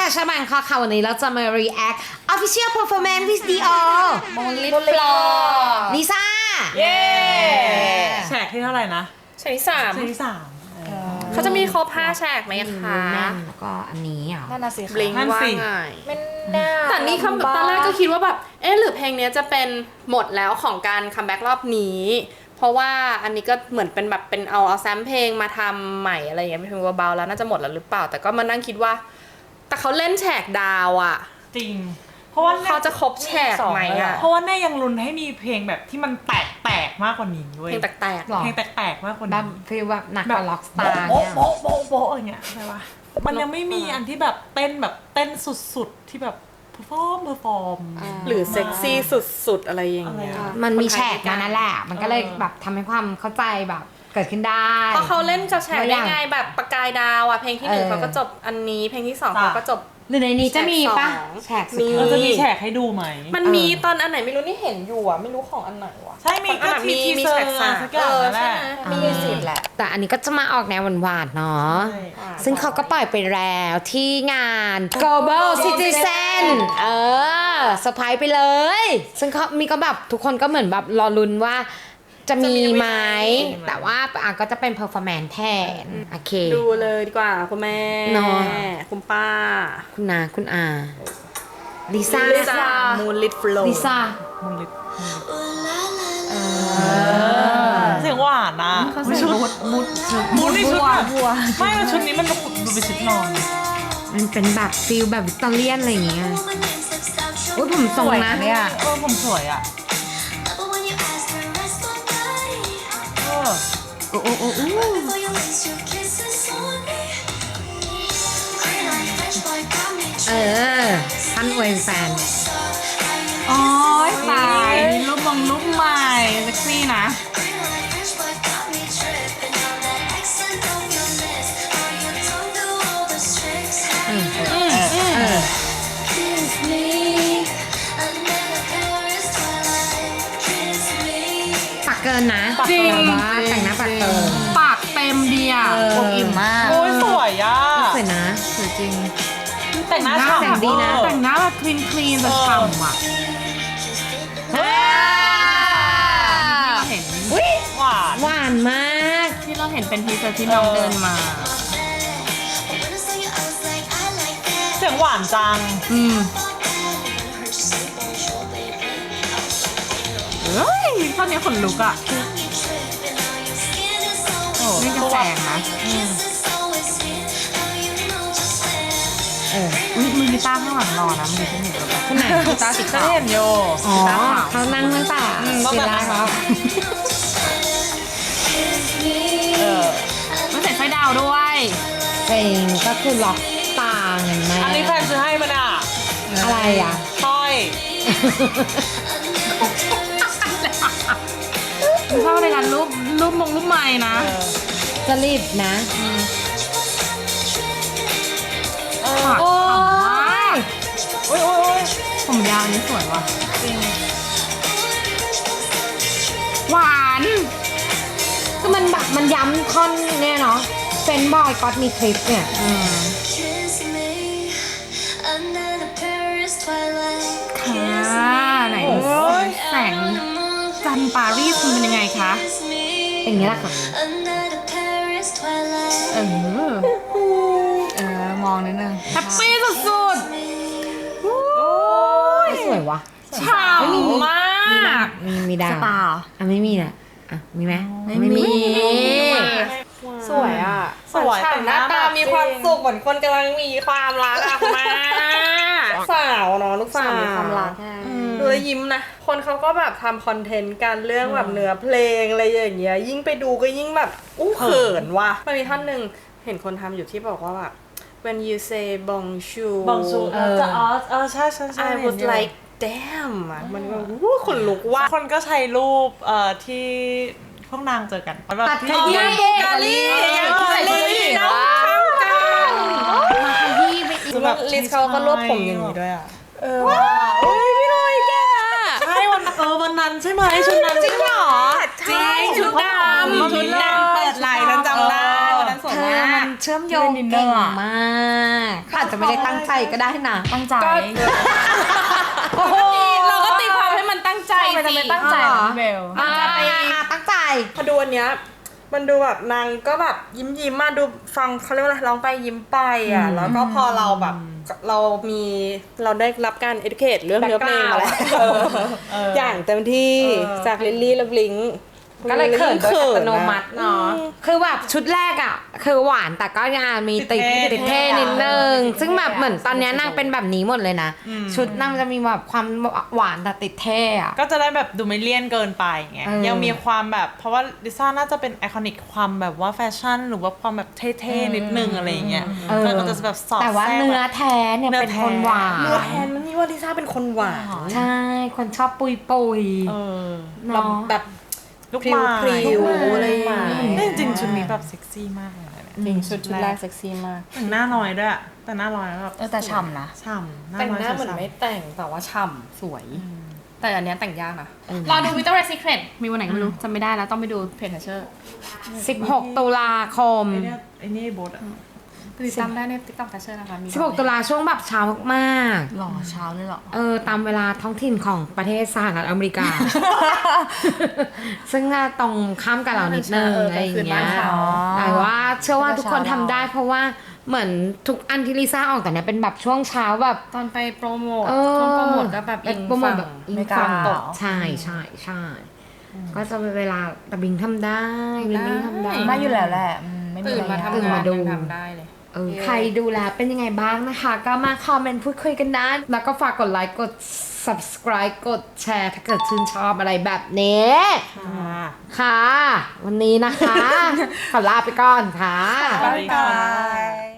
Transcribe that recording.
ชาบังค่ะวันนี้เราจะมา react official performance with Dior มงลิปฟลอร์ลิซ่าเย้แฉกที่เท่าไหร่นะแฉกที่สามแฉกที่3 เขาจะมีครบ5แฉกไหมคะแน่นแล้วก็อันนี้อ่ะนั่นน่ะสิบลิงนั่นว่าสิไงไม่น่าแต่นี่ตอนแรกก็คิดว่าแบบหรือเพลงนี้จะเป็นหมดแล้วของการคัมแบ็กรอบนี้ เพราะว่าอันนี้ก็เหมือนเป็นแบบเป็นเอาแซมเพลงมาทำใหม่อะไรอย่างเงี้ยเป็นเพลงเบาๆแล้วน่าจะหมดแล้วหรือเปล่าแต่ก็มานั่งคิดว่า แต่เขาเล่นแฉกดาวอ่ะจริง เพราะว่าเขาจะครบแฉกไหมอ่ะเพราะว่าแน่ยังลุ้นให้มีเพลงแบบที่มันแตกมากกว่านี้เว้ยเพลงแตกหรอเพลงแตกมากกว่าแบบนี้ฟีลแบบหนักกแบบว่าล็อกสตาร์โบ๊ะเนี่ยโบ๊ะโบ๊ะโบ๊ะอย่างเงี้ยใช่ปะมันยังไม่มีอันที่แบบเต้นสุดๆที่แบบเพอร์ฟอร์มๆหรือเซ็กซี่สุดๆอะไรอย่างเงี้ยอะไรอะมันมีแฉกมานั่นแหละ มันก็เลยแบบทำให้ความเข้าใจแบบเกิดขึ้นได้เพราะเขาเล่นกับแฉกตัวอได้ย่างไงแบบประกายดาวอ่ะเพลงที่หนึ่งเออเขาก็จบอันนี้เพลงที่สองจ้ะเขาก็จบหรือในนี้จะมีปะแฉแฉกกสสุองดเราท้ายจะมีแฉกให้ดูไหมมันมีตอนอันไหนไม่รู้นี่เห็นอยู่อ่ะไม่รู้ของอันไหนวะใช่มีของอันไหนก็ทีมีเซอแฉร์กสามสักอย่างนั่นแหละใช่ไหมมีสิทธิ์แหละแต่อันนี้ก็จะมาออกแนวหวานๆเนาะใช่ซึ่งเขาก็ปล่อยไปแล้วที่งาน Global Citizen เซอร์ไพรส์ไปเลย ซึ่งเขามีก็แบบทุกคนก็เหมือนแบบรอลุ้นว่าจะมีไหม แต่ว่าก็จะเป็น performance แทน โอเคดูเลยดีกว่าคุณแม่เนาะคุณป้าคุณนาคุณอาลิซ่าลิซ่ามูนลิทฟลอลิซ่ามุนลิปเสียงหวานนะชุดมุดนี่ชุดแบบไม่ว่าชุดนี้มันดูเป็นชุดนอนมันเป็นแบบฟิลแบบวิกตอเรียนอะไรอย่างเงี้ยอุ้ยผมทรงนะเนี่ยผมสวยอ่ะโอ้โอ้โอ้โอ้ท่านอวยแฟนอ๋อตายรูปใหม่เซ็กซี่นะปักเกินนะจริงแบบว่าแต่งหน้าปักเกินปากเต็มดีอ่ะวงอิ่มมากโอ้ยสวยอ่ะสวยนะสวยจริงแต่งหน้าแสงดีนะแต่งหน้าแบบคลีนแบบฉ่ำอ่ะ เห็นอุ้ยหวานหวานมากที่เราเห็นเป็นทีเซอร์ที่น้องเดินมาเสียงหวานจังเฮ้ยตอนนี้ขนลุกอ่ะ นี่จะแสงนะ อุ้ยมือกีตาร์ข้างหลังรอนะมันอยู่ที่หนึ่งแล้วคนไหนกีตาร์สีจะขาวเห็นโยอ๋อเขานั่งตั้งแต่ตั้งเวแต่ลาครับมันใส่ไฟดาวด้วยเพลงก็คือล็อกตาเงินแม่อันนี้แฟนซื้อให้มันอ่ะอะไรอ่ะสร้อยชอบในการรูปไม้นะจะรีบนะปากโอ้ฉ่ำมาย กโอ้ยผมยาวอันนี้สวยว่ะจริงหวานคือมันแบบมันย้ำท่อนเนี่ยเนาะเฟนบอยก็อดมีคลิปเนี่ยค่ะไหนแสงจันทร์ปารีสมันเป็นยังไงคะเป็นอย่างนี้แหละค่ะมองนิดนึงแฮปปี้สุดไม่สวยวะๆฉ่ำมากมีดาวสตาร์อ่ะไม่มีแหละอ่ะมีไหมไม่มีสวยอ่ะสวยฉ่ำหน้าตามีความสุขเหมือนคนกำลังมีความรักอ่ะคุณแม่สาวเนาะลูกสาวมีความรักใช่ดูแล้วยิ้มนะ คนเขาก็แบบทำคอนเทนต์กันเรื่องแบบเนื้อเพลงอะไรอย่างเงี้ย ยิ่งไปดูก็ยิ่งแบบอู้เขินว่ะมันมีท่อนหนึ่งเห็นคนทำอยู่ที่บอกว่าแบบ when you say bonjour บองซูจะใช่ I was like damn อ่ะมันแบบอู้ขนลุกว่ะคนก็ใช้รูปที่พวกนางเจอกันแบบตัดขที่ยี้กาลี่น้องเข้ากันมาขยี้ไปอีกแล้วลิสเขาก็รวบผมอย่างนี้ด้วยอ่ะว้าวเฮ้ยพี่ลอยแกใช่วันนั้นใช่ไหมชุดนั้นจริงเหรอจริงชุดดำชุดดำเปิดไหล่ฉันจำได้วันนั้นสเธอมันเชื่อมโยงเก่งมากอาจจะไม่ได้ตั้งใจก็ได้นะตั้งใจโอ้โหเราก็ตีความให้มันตั้งใจมันจะสิไม่ตั้งใจเหรอพี่เบลตั้งใจพอดูอันเนี้ยมันดูแบบนางก็แบบยิ้มมาดูฟังเขาเรียกว่าอะไรร้องไปยิ้มไปอ่ะแล้วก็พอเราแบบเราได้รับการ educate เรื่องเนื้อเพลงมาแล้วอย่างเต็มที่จากลิลลี่และบลิงก็เลยเขินโดยอัตโนมัติเนาะคือแบบชุดแรกอ่ะคือหวานแต่ก็ยังมีติดเท่นิดนึงซึ่งแบบเหมือนตอนนี้นางเป็นแบบนี้หมดเลยนะชุดนางจะมีแบบความหวานแต่ติดเท่อะก็จะได้แบบดูไม่เลี่ยนเกินไปไงเออยังมีความแบบเพราะว่าลิซ่าน่าจะเป็นไอคอนิกความแบบว่าแฟชั่นหรือว่าความแบบเท่ๆนิดนึงอะไรอย่างเงี้ยมันก็จะแบบสอดแต่ว่าแทรกเนื้อแท้เนี่ยเป็นคนหวานเนื้อแทนมันนี่ว่าลิซ่าเป็นคนหวานใช่คนชอบปุยเออเนาะแบบ ลูกพริ้วไม้พริ้วอะไรอย่างเงี้ยแต่จริงๆชุดนี้แบบเซ็กซี่มากเลยนะเนี่ยจริงชุดแรกเซ็กซี่มากแต่งหน้าน้อยด้วยอะแต่หน้าน้อยแล้วแบบแต่ฉ่ำนะฉ่ำแต่งหน้าอยเหมือนฉ่ำไม่แต่งแต่ว่าฉ่ำสวย แต่อันเนี้ยแต่งยากนะรอดู Victoria's Secret มีวันไหนก็ไม่รู้จำไม่ได้แล้วต้องไปดูเพจ Thatcher 16 ตุลาคมไอ้นี่โบทอะติดตามได้ใน TikTok Thatcher นะคะมี 16 ตุลาช่วงแบบเช้ามากหล่อเช้าเลยเหรอตามเวลาท้องถิ่นของประเทศสหรัฐอเมริกา ซึ่งน่าตรงข้ามกับเรานิดนึงอะไรอย่างเงี้ยแต่ว่าเชื่อว่าทุกคนทำได้เพราะว่าเหมือนทุกอันที่ลิซ่าออกแต่เนี้ยเป็นแบบช่วงเช้าแบบตอนไปโปรโมทเออช่วงโปรโมทก็แบบอิงโปรโมทฝั่งแบบอิงไม่กล้าฝั่งตกใช่ก็จะเป็นเวลาแต่บิงทำได้บิงทำได้ไม่อยู่แล้วแหละไม่มีตื่นอะไรมาทำตื่นงามาน ดูยังทำได้เลยใครดูแลเป็นยังไงบ้างนะคะ ก็มาคอมเมนต์พูดคุยกันได้แล้วก็ฝากกดไลค์กด subscribe กดแชร์ถ้าเกิดชื่นชอบอะไรแบบนี้ค่ะ วันนี้นะคะ ขอลาไปก่อนค่ะสวัสดีค่ะบาย